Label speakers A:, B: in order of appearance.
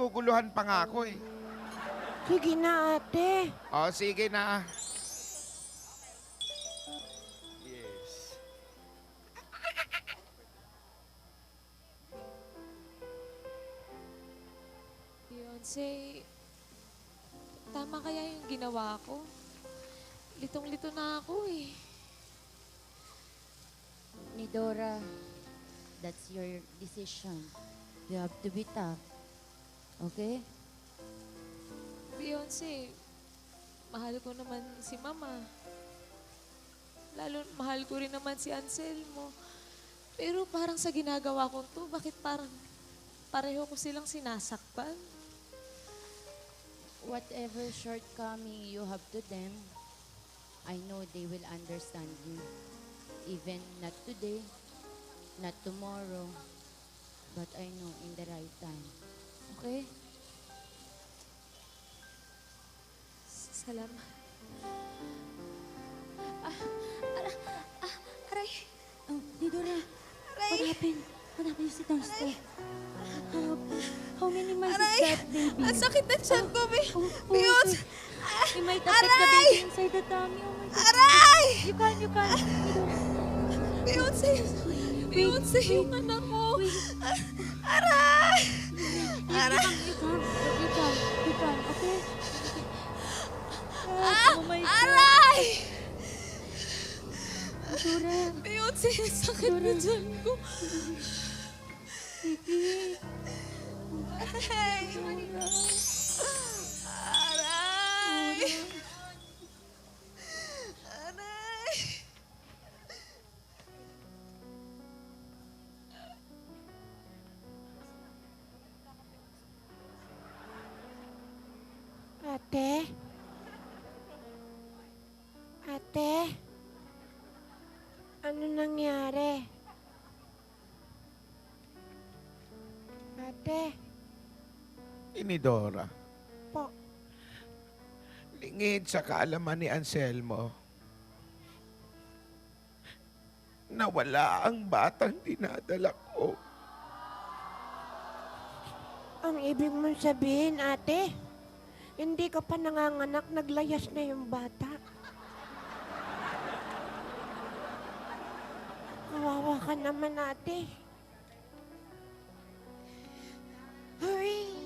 A: naguguluhan pa nga ako eh.
B: Sige na, ate.
A: O, sige na. Yes.
C: Beyonce, tama kaya yung ginawa ko? Litong-lito na ako eh.
D: Nidora, that's your decision. You have to be tough. Okay?
C: Beyonce, mahal ko naman si Mama. Lalo, mahal ko rin naman si Anselmo. Pero parang sa ginagawa ko to, bakit parang pareho ko silang sinasakpan?
D: Whatever shortcoming you have to them, I know they will understand you. Even not today, not tomorrow, but I know in the right time. Okay?
C: Salamat.
E: Aray!
D: Oh, Nidora, what happened? What happened? You sit down, stay. How many months is that, baby?
E: Ang sakit na tiyan ko,
D: Oh,
E: Beyonce!
D: it might affect the baby inside the tummy. Oh my God.
E: Aray!
D: You can. Nidora.
E: Beyonce! Beyonce, yung anak ko! Aray! Aray!
D: You can, okay? Oh my God.
E: Aray!
D: Nidora.
E: Beyonce, ang sakit na tiyan ko. Aray! Aray! Aray!
B: Ate? Ate? Ano nangyari? Ate?
A: Inidora.
B: Po.
A: Lingid sa kaalaman ni Anselmo. Nawala ang batang dinadala ko.
B: Ang ibig mong sabihin, ate, hindi ka pa nanganganak, naglayas na yung bata. Kawawa ka naman, ate. Hurry!